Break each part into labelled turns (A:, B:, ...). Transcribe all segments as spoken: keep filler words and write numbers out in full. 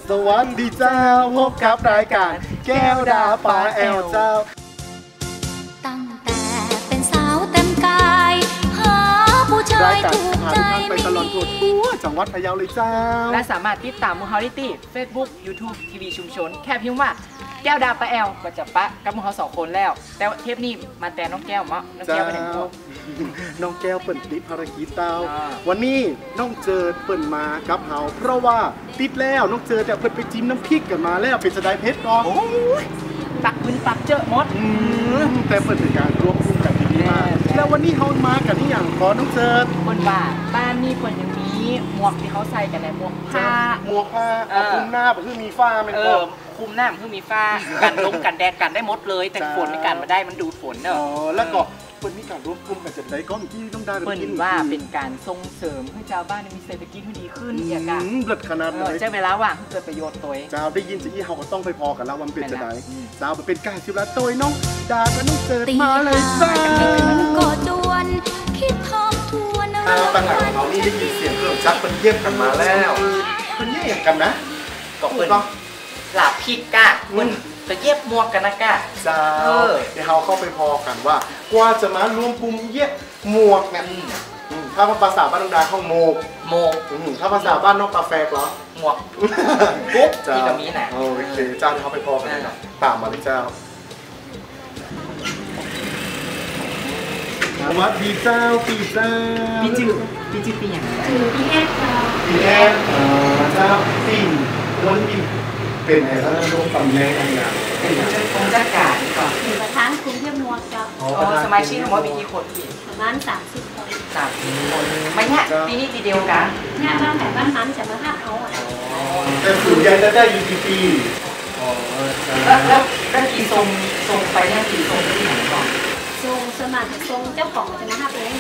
A: สวัสดีเจ้าพบกับรายการแก้วดาปลาแอลเจ้า
B: ตั้งแต่เป็นสาวเต็มกายหาผู้ชายถูกใจไม่มี
A: จังหวัดพะเยาเลยเจ้า
C: และสามารถติดตามมูฮาริตี้ เฟซบุ๊ก ยูทูบ ทีวีชุมชนแค่พิมพ์ว่าแก้วดาปลาแอลก็จะปะกับมูเขาสองคนแล้วแต่เทปนี้มาแต่น้องแก้วมั้งน้องแก้วไปไหนพวก
A: น้องแก้วเปิดติดภารกิจเต้าวันนี้น้องเจิดเปิดมากับเฮาเพราะว่าติดแล้วน้องเจิดจะเปิดไปจิ้มน้ำพริกกันมาแล้วเป็นสไตล์เพชรก็
C: ตักพื้นตักเจอมด
A: แต่เปิดเป็นการรวมกลุ่มกันที่นี่มาแล้ววันนี้เฮามากันที่อย่างขอน้องเจิด
C: คนว่าบ้านนี้คนยังมีหมวกที่เขาใส่กันในหมวกผ้า
A: หมวกผ้าคลุมหน้าแบบคือมีฝ้าเป็น
C: เออคุมหน้ามันคือมีฝ้ากันลมกันแดดกันได้หมดเลยแต่ฝนไม่กันมาได้มันดูดฝนเนอะ
A: แล้วก็เปิดมีการรวมกลุ่มกันจะได้ก้อนที่ต้องได้
C: เปิดว่าเป็นการส่งเสริมให้ชาวบ้านมีเศรษฐกิจที่ดีขึ้นอย่างกัน
A: เลิศขนาดเลย
C: ใช่เวลาว่างเกิดประโยชน์ตัว
A: เจ้าได้ยินจะอี้เฮาก็ต้องไปพอกันแล้วมันเป็นจะได้เจ้าเป็นการชิวละตัวน้องดาก็น้องเจิดมาเลยจ้า
B: ก็ดวนคิดทบทวน
A: เอาตั้งแต่ของเรานี่ได้ยินเสียงเครื่องชักเป็นเยี่ยมกันมาแล้วเป็นเยี่ยมกันนะ
C: ก็เป็นหลาพิกกะมันจะเย็บหมวกกันนะกะ
A: เจ้าเดี๋ยวเราเข้าไปพอกันว่ากว่าจะมารวมกลุ่มเย็บหมวกเนี่ยถ้าภาษาบ้านน้องดาเขาโมก
C: โมก
A: ถ้าภาษาบ้านน้องกาแฟเหรอ
C: หมวกกุ๊บที่ตรงนี้นะ
A: โอเคเจ้าเดี๋ยวเขาไปพอกันนะตามมาเลยเจ้าสวัสดีเจ้าปีเจ้า
C: ปีจืดปีจืดปีอย่างไร
B: จืดปีแอดเจ้า
A: ปีแอดเจ้าปีวันปีเป็นไงถ้าลงตำแหน่งอะไรอย่าง
C: เป็นองค์จักรการก่อน
B: เป็นประธานกลุ่มเทียบมวกเจ้า
C: อ๋อสมาชิกทั้งหมดมีกี่คนพี่
B: ประมาณสามสิบคน
C: สามสิบคนไม่เนี่ยปีนี้ปีเดียวกัน
B: เนี่ยบ้านไหนบ้านนั้นจะมาห้าเขาอ่ะ
A: แต่ส่วนใหญ่จะได้อยู่ที่ปี
C: แล้วแล้วแล้วกี่ทรงทรงไปเนี่ยกี่ทรงที่ไหนก่อน
B: ทรงสมัครทรงเจ้าของจะมาห้าเอง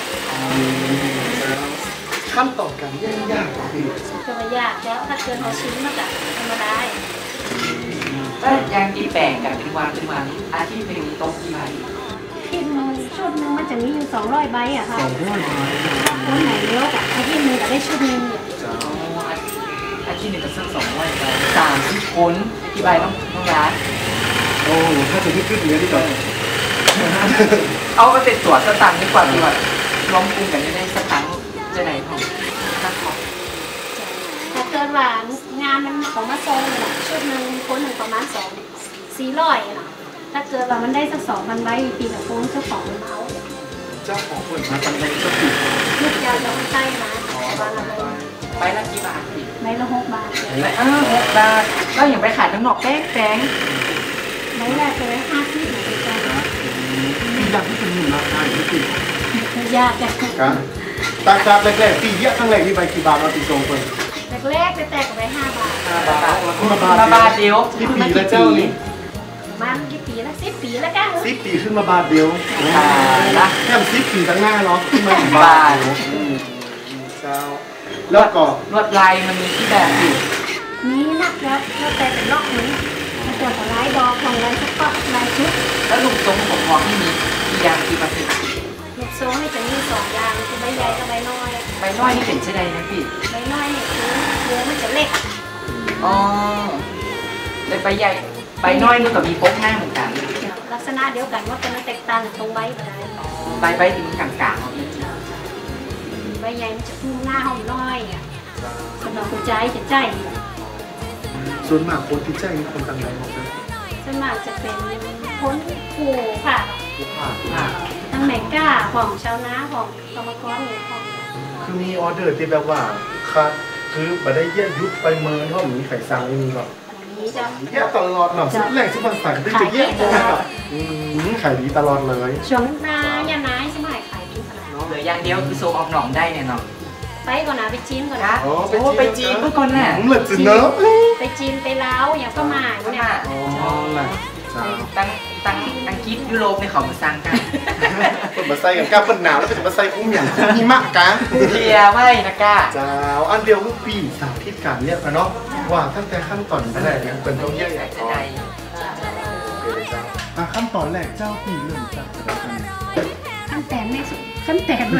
A: ขั้นตอนการย่างยากกว่าพี่
B: จะไม่ยากแล้วถ้าเกินเขาชิ้นมากอะทำมาได้
C: แล้วยางตีแป่งกันเป็นวันเป็นวันอาทิตย์หนึ่งตรงกี่ใบ
B: ที่นึงชุดนึงมันจะมีอยู่สองร้อยใบอะค่ะ
A: สองร้อยใบ
B: คนไหนเยอะอะอาทิตย์นึงก็ได้ชุดนึงเนี่ย
C: อาทิตย์หนึ่งก็สักสองร้อยใบสามสิบคนกี่ใบต้องต้องร้าน
A: โอ้ถ้าจะขึ้นๆเนี้ยดีกว่า
C: เอาก็ติดตั๋วสตังค์ดีกว่าดีกว่าล้อมกลุ่มกันได้สักครั้งจะไหนของนักขอ
B: ถ้าเกิดว่างานมันของมาโซนเนี่ยชุดหนึ่งคนหนึ่งประมาณสองสี่ร้อยเนาะถ้าเกิดว่ามันได้สักสองพันใบปีละคนเจ้าของมันเอา
A: เจ้าของคนมาปันใดก็ปี
B: ลูกยาวจะไม่ใช่นะใบละ
C: ใบละกี่บาท
B: ใบละหกบาท
C: ใบละหกบาทก็อย่างไปขายทั้งนอกแป้งแป้ง
B: ใบแรกเลยห้าสิบหน่อยจ้า
A: ปีละที่เป็นหนึ่งราคาที่ปี
B: ยากจัง
A: ครับตาจากแรกๆปีเยอะครั้งแรกที่ใบกี่บาทมาตีทรงคน
B: แรกๆแตกกับใบห้าบาท
C: ห้าบาทมาบาทเดียว
A: ที่ปีละเจ้านี่
B: มันกี่ปีละสิบปีแล้วกัน
A: สิบปีขึ้นมาบาทเดียวนะแค่สิบปีตั้งหน้าเนาะขึ้นมาบาทเจ้าแล้วก็
C: ลวดลายมันมีที่แบบอยู่
B: นี่นักแล้วแล้วแต่เป็นล็อกนี้ตัวของลายดอกของลายสก๊อตลายชุด
C: แล้วลูกทรงของหมวกที่มีกี่อย่างกี่เปอร์เซ็นต์
B: ลูกทรงนี่จะมีสองอย่างคือใบใหญ่กับใบน้อย
C: ใบน้อยนี่เป็นเช่นไรนะพี่
B: ใบน้อยเนี่ยคือเนื้อมันจะเล็ก
C: อ๋อแต่ใบใหญ่ใบน้อยมันก็มีพกหน้าเหมือนกัน
B: ลักษณะเดียวกันว่าเป็นแตกต่างตรงใบก็ได้
C: ใบใบถึงกลางกลาง
B: ใบใหญ่มันจะพุ่งหน้าห้องน้อยอ่ะสำหรับหัวใจจะใจ
A: ส่วนมากคนที่ใจนี่คนต่างไหนหมดเลย
B: ส่วนมากจะเป็นคนผูค่ะ
A: ผูค่ะ
B: ทั้งแมงก้าของชาวนาของกรรมกรเนี่ยของ
A: คือมีออเดอร์ที่แบบว่าค่ะคือมาได้เยี่ยยุดไปเมินเพราะมีไข่ซังไม่มีหรอกเยี่ยตลอดหรอกสุดแรกสุดบันสักได้จะเยี่ยโตกับขายดีตลอดเลย
B: ช่วงนาย่าน้ายสมัยขายดีขนาด
C: เหลืออย่างเดียวคือโซออกหนองได้เนี่ยเนาะ
B: ไปก่อนนะไปจีนก่อนนะ
C: โอ้ไปจีนเมื่อก่อนน่ะ
A: ผมเลยจีนเนอะ
B: ไปจีนไปลาวอย่างก็มาเนี่ย
A: อ๋อแหละ
C: ตั้งตั้งอังกฤษยุโรปในเขามาสร้างกัน
A: เปิดมาใส่กันก้าเปิดหนาวแล้วเป็นมาใส่คุ้มอย่างหิมะกัน
C: เทียไม่นะก้า
A: เจ้าอันเดียวคือปีสามทิศการเนี่ยเนาะว่าตั้งแต่ขั้นตอนแรกเนี่ยเป็นต้องเยอะใหญ่ก่อนขั้นตอนแรกเจ้าปีเริ่มจาก
B: ขั้นแตนไม่สุดขั้นแตน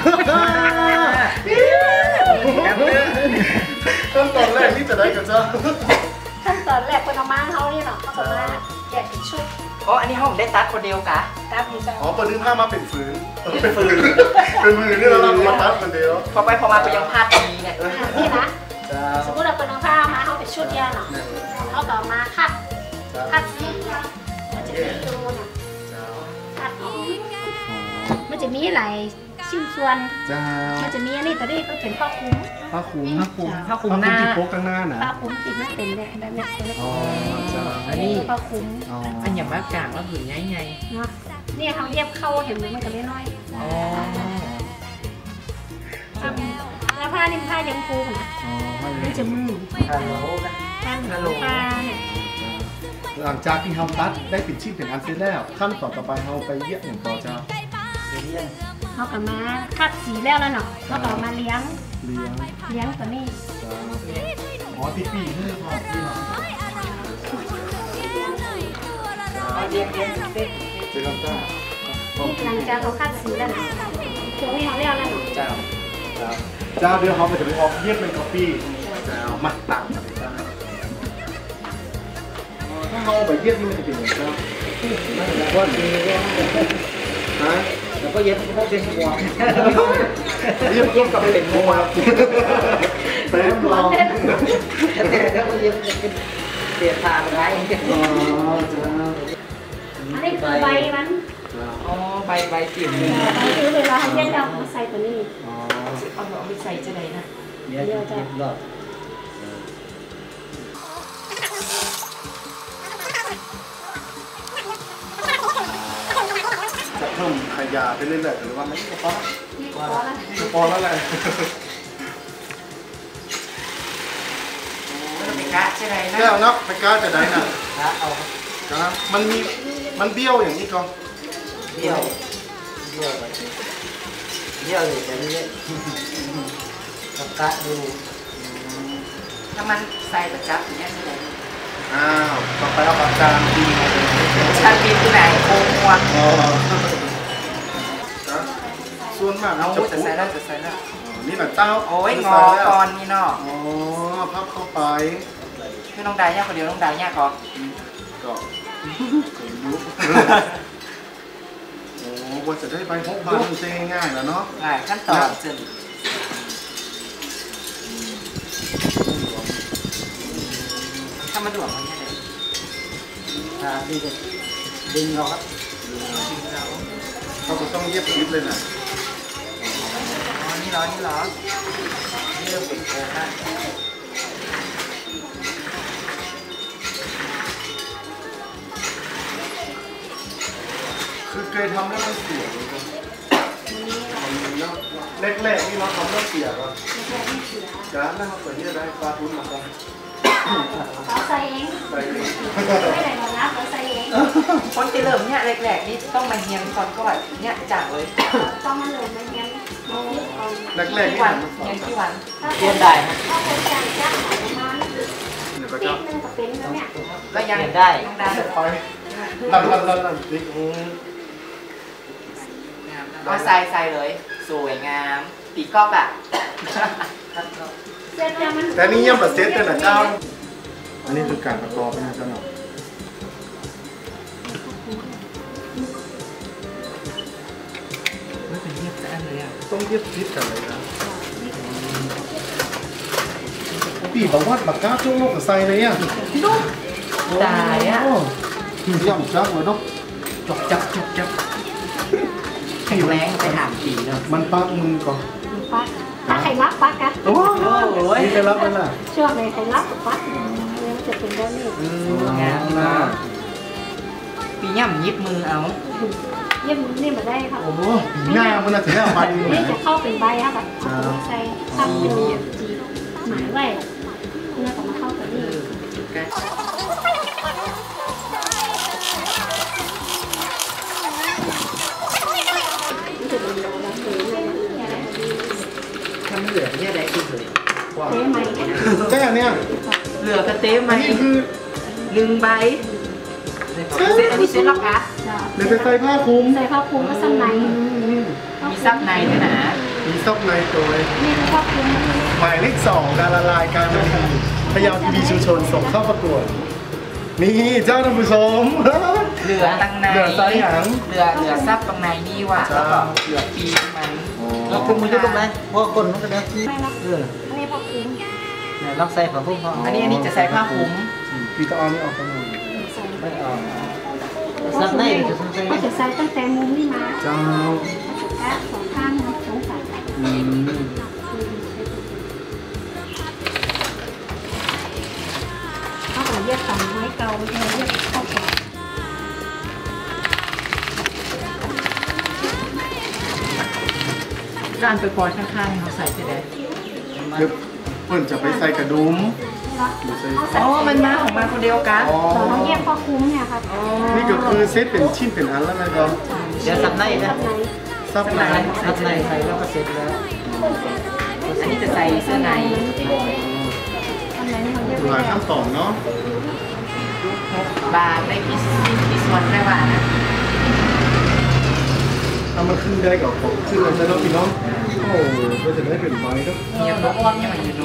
A: ขั้นตอนแรกนี่จะได้กับเจ้า
B: ขั้นตอนแรกคนเอามาเขานี่เนาะเขาก็มาแยกเป็นชุด
C: อ๋ออันนี้ห้องได้ตัดคนเดียวกะ
B: ตามนี้จ้ะ
A: อ๋อเปิดนึกผ้ามาเป็นฝืนเป็นฝืนเป็นมือนี่เราเรามาตัดคนเดียว
C: พอไปพอมาไปยังพลาดตรงนี้เนี่ย
B: นี่นะสมมติเราเป็นเอาผ้ามาเขาเป็นชุดยาเนาะเขาก็มาคัดคัดสีมันจะมีดูน่ะคัดออกมันจะมีหลายชิ้นส่วน
A: จ้า
B: มันจะมีอันนี้ตัวนี้ก็เป็นผ้าคลุม
A: ผ้าคลุม
C: ผ้าคลุมผ้าคลุมหน้า
A: ที่โป๊กข้างหน้านะ
B: ผ้าคลุมติดมันเป็นแบบแบบนี้เป็น
A: อ๋อจ้า
C: อันนี้
B: ผ้าคลุม
A: อ๋อ
C: อันอย่างมากกลางก็ผืนใหญ่ไง
B: เนาะนี่เขาเย็บเข้าเห็นไหมมันก็ไม่น้อย
C: อ๋อ
B: แล้วผ้านิ่มผ้ายังฟูนะ
A: อ๋อไม่เล
B: มั
A: ย
B: นจะมือ
C: ฮัลโหลนะ
B: ผ้าผ้าเนี่ย
A: หลังจากที่เราตัดได้ปิดชิ้นเป็นอันเสร็จแล้วขั้นตอนต่อไปเราไปเยี่ยมอย่างต่อเจ้า
B: เขาก็มาคัดสีแล้วแล้วเนาะเขาก็มาเลี้ยง
A: เลี้ยง
B: เลี้ยงตัวนี้
A: จ้าอ๋อที่ปีนี่พอที่เรา
C: เรียงเรียงเส้น
A: เจอกันจ้า
B: หลังจากเขาคัดสีแล้วเนาะตัวนี้เขาเลี้ยงแล้วเนาะ
C: เจ้า
A: จ้าเจ้าเดี๋ยวเขาจะไปออกเยี่ยมเป็นกาแฟเจ้ามาต่างกันจ้าถ้าเขาไปเยี่ยมนี่มันจะเป็นอย่างไรว่าดีฮะ
C: แล้วก็เย็บพวกเป็นหัว
A: เยี่ยมเยี่ยมกับเป็นมัวเต็มลอง
C: แล้วก็เย็บเป็นเสียทางไร
A: อ๋อจ้า
B: อันนี้คือใบมัน
C: อ๋อใบใบกลิ่น
B: คือเวลาเขาเย็บเรามาใส่ตัวนี้
A: อ๋อ
C: เอาเอาไปใส่จะไหนนะ
B: เดี๋ยวจะ
A: จะเพิ่มขยะไปเรื่อยๆหรือว่าไม่พอ
B: นี่พอแล้ว
A: พอแล้วแหละ
C: ไม่ต้องไปกะจะไหนนะ
A: แก้วนับไม่กล้าจะได้นะ
C: กะเอา
A: จ้ามันมีมันเบี้ยวอย่างนี้ก่อน
C: เดี่ยวเดี่ยวไปเดี่ยวเลยแต่นี่กับกะดูถ้ามันใส่ประจับอย่างเงี้ยจะไหน
A: อ้าวต่อไปเอาปากกาดีมาเลย
C: ชาบินที่ไหนโค้งหัว
A: อ๋อจ้าส่วนมาก
C: เอา
A: จะ
C: จะใส่แล้วจะใส่แล้ว
A: นี่หนังเต้า
C: โอ้ยงอก่อนนี่เนาะ
A: อ๋อพับเข้าไป
C: คือน้องดายเนี่ยคนเดียวน้องดายเนี่ยก่อน
A: ก็ยุบโอ้ว่าจะได้ไปพบบ้านเจ๊ง่ายๆแล้วเนาะ
C: ง่ายขั้นตอนจนถ้ามาด่วนมันเนี่ยเลย
D: อ่าดีเลยดึงเราครับ
A: เขาก็ต้องเย็บยิบเลยนะ
C: อ๋อนี่เหรอนี่เหรอนี่เริ่มเป็นโค้งแล้ว
A: คือเคยทำแล้วมันเสียเลยครับแรกๆนี่เราทำแล้วเสียก่อนจ้าแล้วเขาเปิดที่จะได้ปลาทุนมาก่อน
B: เขาใส่เอง
A: ไปเลย
B: ไม่ได้บอกนะเขาใส่เอง
C: คนที่เริ่มเนี่ยแรกๆนี่ต้องมาเฮียนก่อนก่อนเนี่ยจากเลย
B: ต้องมาเหลือมาเลี้ยงมาเลี้ยงก่อน
A: แรกๆ
C: ที่
A: นี่
C: วัน
A: มันสอ
C: เฮีย
A: น
C: นที่วัน
B: ถ้า
C: เรียนได้ครับ
B: ถ้าเป็นจานจ้างประมาณ
A: เดี๋ยวก็
B: ปี
A: จะ
B: นึงก็เป็นแล้วเนี่ย
C: ก็ยัง
D: เรียนได้
C: น้องดาย
A: ไปนั่นนั่นนั่นนั่นนี่อืม
C: เอาใส่ใส่เลย สวยงามตีกอบอ่ะ
B: เสร็จแล้วมัน
A: แต่นี่เยี่ยมแบบเซตเลยนะเจ้า อันนี้คือการประกอบนะเจ้าหน่อย
C: ไม่เป็นเรียบแต่อันเลยอ่ะ
A: ต้องเย็บยิบกันเลยนะปีบอกว่าบักก้าช่วงโลกกับไซเลยอ่ะ
C: ตายอ่ะ
A: ย่ำจักเลยเนาะ
C: จบจับจบจับแข็งแรงไปถามผีเนาะ
A: มันปักมือก่อน
B: ปักถ้าใครรับปักกัน
A: โอ้ยนี่ไปรับมันล่ะ
B: ช่วงไหนใครรับก็ปักเนี่ยมันจะเป็นแบบนี้
A: อืมงามนะ
C: ปีย่ำยิบมือเอา
B: เยี่ยมนี่มาได้ครับ
A: โอ้โหปีหน้ามันน่ะถึงเอาไป
B: นี่จะเข้าเป็นใบครับแบบใส่ตั้งอยู่จีหมายไว้เพื่อจะมาเข้ากับนี่มันจะเป็นแบบแบบนี้เลยนะ
C: ถ้าไม่เหลือเนี่ยได้ขึ้นเลย
B: เต้ไหม
A: แจ้เนี่ย
C: เหลือกระเต้ไหม
A: อันนี้คือ
C: หนึ่งใบเซ็ตอันนี้เซ็ตล็อกอะ
A: หรือไปใส่ผ้าคลุม
B: ใส่ผ้าคลุมก็ซ้ำใน
C: มีซับในด้วยนะ
A: มีซอกในตัวเลย
B: นี่คือผ้าคลุม
A: หมายเลขสองการละลายการมันดี
B: ผ้
A: พยาวทีวีชุมชนส่งเข้าประกวดนี่เจ้าท่านผู้ชม
C: เหลือตั้งใน
A: เหลือไซส์หาง
C: เหลือเหลือซับตรงในนี่ว่ะแล้วก็เหลือปีกมัน
D: เราคุมมือจะลงไหมพวกคนมันก็ได้
B: ไม่หรอก
D: เออ
B: อันนี้พอคุ้ม
D: เนี่ยลองใส่ของพวกเขา
C: อันนี้อันนี้จะใส่ผ้าคลุม
A: พี่ก็เอานี่ออกไปหน่อย
B: ใส่
D: ไม่ออกซักได้จะซักได้
B: ก็จะใส่ตั้งแต่มุมนี้มา
A: เจ้า
B: แค่สองข้างสองฝั่ง
A: อืม
B: เขาบอกเรียกฝั่งไม้เกาเรียกเข้าฝั่ง
C: การไปปล่อยข้างๆเขาใส่จะได้
A: เดี๋ยวเพื่อนจะไปใส่กระดุม
C: อ๋อมันมาของมันคนเดียวกัน
A: อ๋อ
B: เราต้องแยกพ่อคุ้มเนี่ยครับ
A: นี่ก็คือเซตเป็นชิ้นเป็นอันแล้วนะครับ
D: เดี๋ยวซักได้นะ
A: ซับใน
D: ซักในใส่แล้วก็เสร็จแล้ว
C: อันนี้จะใส่เสื้อใน
B: อันไหนมันเรียก
A: หลา
B: ว่าย
A: ขั้นตอนเนาะ
C: บาร์ได้พิสพิสวันได้ว่านะ
A: เอามาขึ้นได้กับของขึ้นแล้วจะเนาะพี่น้องโอ้โหก็จะได้เป็นไม้ครับ
C: เมียบอกว่าเนี่ยมันอยู่ดู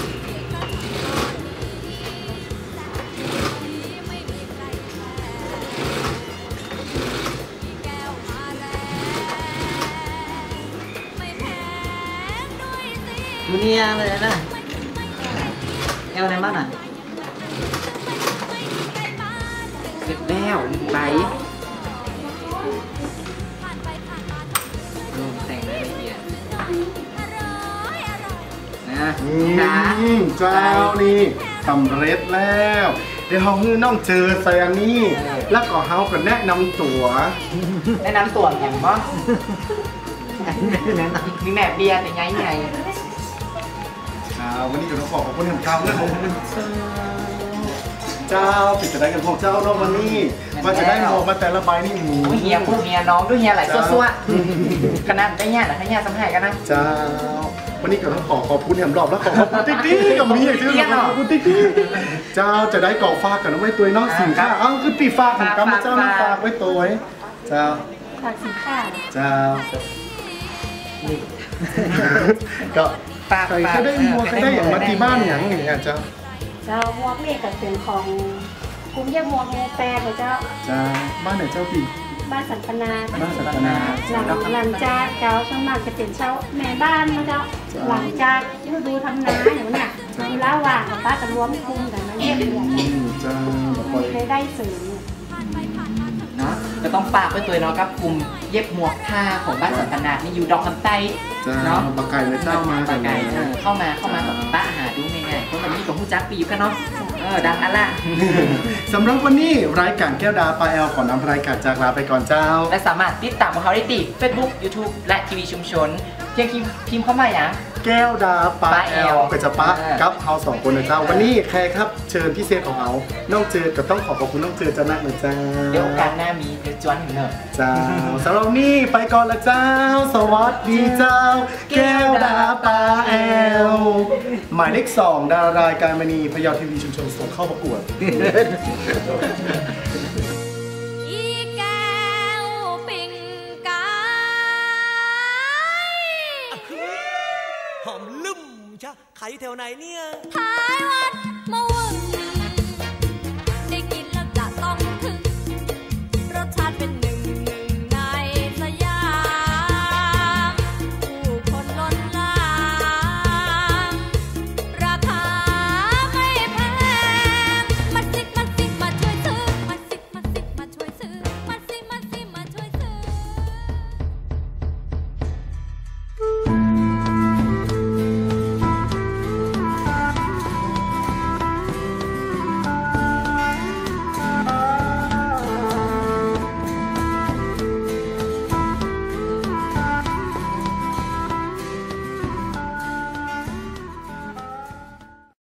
D: ดูเนี่ยเลยนะเอวในบ้านอ่ะ
C: เสร็จแล้วใบลงแต่งรายละเอียดนะ
A: อื
C: นะ
A: มเจ้านี่สำเร็จแล้ว เดี๋ยวเฮาฮื้อน้องเจอใส่อันนี้ แล้วก็เฮาก็แนะนำตัว
C: แนะนำตัวแข่งบ้าง
D: แนะน
C: มีแม่เบียร์แต่ไงไง
A: อ่าวันนี้จะต้องขอขอบคุณแห่งเก่าและของเจ้าปิดจะได้กันของเจ้าเนาะวันนี้มาจะได้หมวกมาแต่ละใบนี่หมู
C: โอ้ยเฮียพูดเฮียน้องด้วยเฮียหลายซัวๆขนาดได้เนี่ยนะให้เฮียสำหายกันนะ
A: เจ้าวันนี้ก็ต้องขอขอบคุณแหมรอบแล้วขอขอบคุณติ๊กติ๊กกับมีอย่างที่
C: เรียกเหรอ
A: ขอบคุณติ๊กติ๊กเจ้าจะได้ก่อฟ้ากันน้องไว้ตัวเนาะสินค้าเอ้าคือปีฟ้าของกำเจ้าน้องฝากไว้ตัวไว้เจ้า
B: ฝากสินค้า
A: เจ้าก็
C: ฝาก
A: ใครก็ได้หมวกก็ได้อย่างมาที่บ้านอย่างอย่างเงี้ยเจ้า
B: เจ้าหมวกนี่ก็เป็นของกลุ่มเยี่ยมหมวกโมแปรของเจ้า
A: เจ้าบ้านไหนเจ้าปี
B: บ้านสันปนา
A: บ้านสัตนา
B: หลังหลังจากเจ้าสวนมัครจะเป็นเช่าแม่บ้านมาเจ้าหลังจากฤดูทำนาอย่างเนี้ยเวลาว่างกับป้าจะรวมกลุ่มกันมาเยี่ยมเยียน
A: อืมเจ้าแบบ
B: มีรายได้เสริม
C: เนาะจะต้องฝากไว้ตัวเนาะกับกลุ่มเย็บหมวกผ้าของบ้านสันตนาดนี่อยู่ดอกคำไต้
A: เจ้า
C: เนาะ
A: ปากไก่เลยเจ้ามากัน
C: ไก่เออเข้ามาเข้ามากับป้าหาดูง่ายๆเพราะวันนี้กับผู้จักปีอยู่กันเนาะเออดังอันละ
A: สำหรับวันนี้รายการแก้วดาปลาแอลขอนำรายการจากลาไปก่อนเจ้า
C: และสามารถติดตามของเขาได้ที่ Facebook YouTube และทีวีชุมชน เพียงพิมพ์เข้ามาอย่าง
A: แก้วดาปลาแอล
C: ปลาแอล
A: ก็จะปะ
C: เออ
A: กับเฮาสองคนนะเจ้า วันนี้ใครครับเชิญพิเศษของเฮาน้องเจอก็ต้องขอขอบคุณน้องเจอจะนักนะเจ้า
C: เดี๋ยวโอกาสหน้ามีเดี๋ยวจวนถึงเนอะ
A: เจ้าสำหรับวันนี้ไปก่อนละเจ้า สวัสดีเจ้า แก้วดาปลาแอล หมายเลขสองดารายการมณีพยาวทีวีชุมชนส่งเข้าประกวด
E: อีแก้วปิ่งกาย
F: หอมลุ่มชะใครแถวไหนเนี่ย
E: พา